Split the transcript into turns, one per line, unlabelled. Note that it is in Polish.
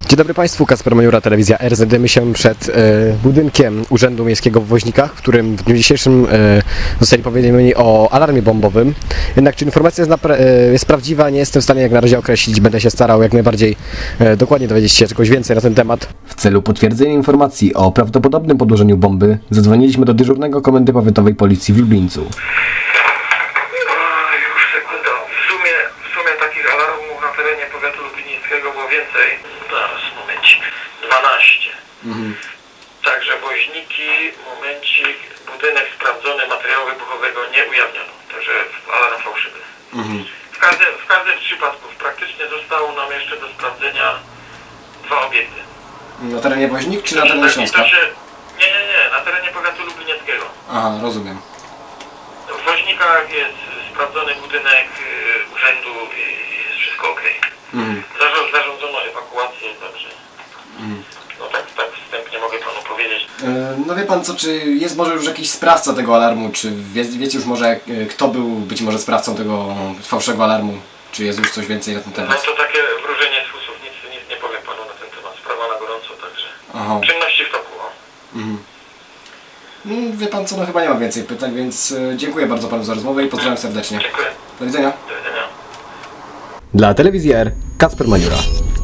Dzień dobry Państwu, Kacper Majura, Telewizja R. Znajdujemy się przed budynkiem Urzędu Miejskiego w Woźnikach, w którym w dniu dzisiejszym zostali powiadomieni o alarmie bombowym. Jednak czy informacja jest prawdziwa, nie jestem w stanie jak na razie określić. Będę się starał jak najbardziej dokładnie dowiedzieć się czegoś więcej na ten temat. W celu potwierdzenia informacji o prawdopodobnym podłożeniu bomby zadzwoniliśmy do dyżurnego Komendy Powiatowej Policji w Lublińcu.
Już sekunda. W sumie takich alarmów na terenie powiatu lublińskiego było więcej. Zaraz, momencik. 12. Także Woźniki, momencik, budynek sprawdzony, materiału wybuchowego nie ujawniono. Także alarm fałszywy. W każdym z przypadków praktycznie zostało nam jeszcze do sprawdzenia 2 obiekty.
Na terenie Woźnik czy na terenie Śląska?
Nie, na terenie powiatu lublinieckiego.
Aha, rozumiem.
W Woźnikach jest sprawdzony budynek urzędu i jest wszystko ok. Zarządzono ewakuację, także no tak wstępnie mogę panu powiedzieć.
No wie pan co, czy jest może już jakiś sprawca tego alarmu, czy wiecie już może kto był być może sprawcą tego fałszywego alarmu? Czy jest już coś więcej na ten
No
temat?
to takie wróżenie z fusów, nic nie powiem panu na ten temat. Sprawa na gorąco, także
Aha.
czynności w toku.
No, wie pan co, no chyba nie mam więcej pytań, więc dziękuję bardzo panu za rozmowę i pozdrawiam serdecznie.
Dziękuję.
Do widzenia.
Do widzenia.
Dla Telewizji R, Kacper Majura.